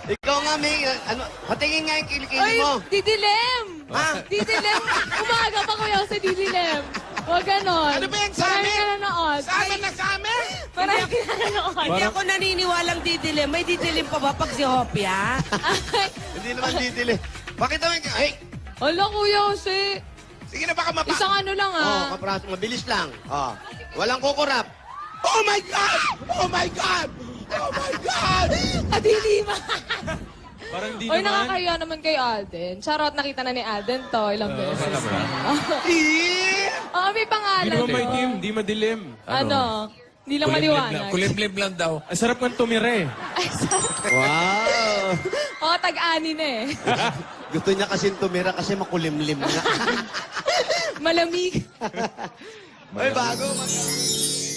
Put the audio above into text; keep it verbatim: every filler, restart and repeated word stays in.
Ikaw nga, May. Ano, patingin nga yung kilikili Ay, mo. didilim! Ha? Didilim! Umaga pa kuya sa didilim. Huwag ganon. Ano ba yan sa Marami amin? ka nanonood. Sa amin na sa amin! Marami ka nanonood. Hindi ako naniniwalang didilim. May didilim pa ba pag si Hopia? Ay, Hindi naman didili. Pakita mo yung... Ay! hala kuya kasi. Sige na, baka mapa... Isang ano lang Oh, ah. kapras, mabilis lang. Oh. Walang kukurap. Oh my God! Oh my God! Oh my God! Kadilima. Parang di Oy, naman. nakakaya naman kay Alden. Charot, nakita na ni Alden to ilang beses. Oh, may Hindi pangalan. naman may team, di madilim. Ano? Hindi lang maliwanag. Kulimlim lang daw. Ang sarap ng tumire. Ay, sarap. Wow! Oh, tag-ani na eh. Gusto niya kasi tumira kasi makulimlim na. Malamig. Ay, bago. Mag-